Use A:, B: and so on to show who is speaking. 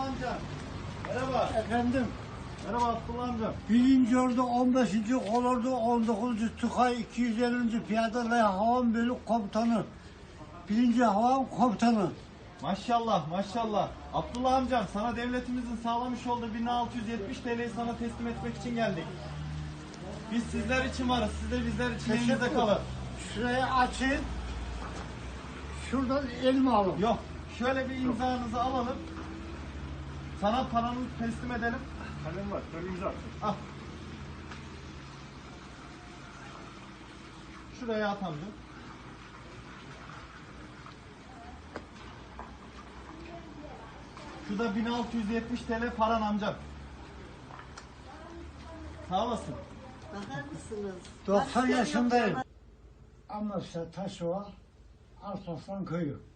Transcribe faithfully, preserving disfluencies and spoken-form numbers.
A: Abdullah amca. Merhaba.
B: Efendim,
A: Merhaba Abdullah amca.
B: birinci Ordu on beşinci Kolordu on dokuzuncu Tukay iki yüz ellinci Piyade ve Havan Bölük Komutanı. Birinci Havan Komutanı.
A: Maşallah maşallah. Abdullah amcam, sana devletimizin sağlamış olduğu bin altı yüz yetmiş T L'yi sana teslim etmek için geldik. Biz sizler için varız. Siz de bizler için elinizde kalın.
B: Şurayı açın. Şuradan elimi alın.
A: Yok. Şöyle bir imzanızı alalım. Sana paranızı teslim edelim.
C: Kalem var, şöyle imza at.
A: Al. Şuraya at amca. Şu da bin altı yüz yetmiş T L paran amcam. Sağ olasın.
D: Bakar mısınız?
B: doksan
D: Başka yok
B: yaşındayım.
D: ya.
B: Amasya Taşova, Arslan Köyü.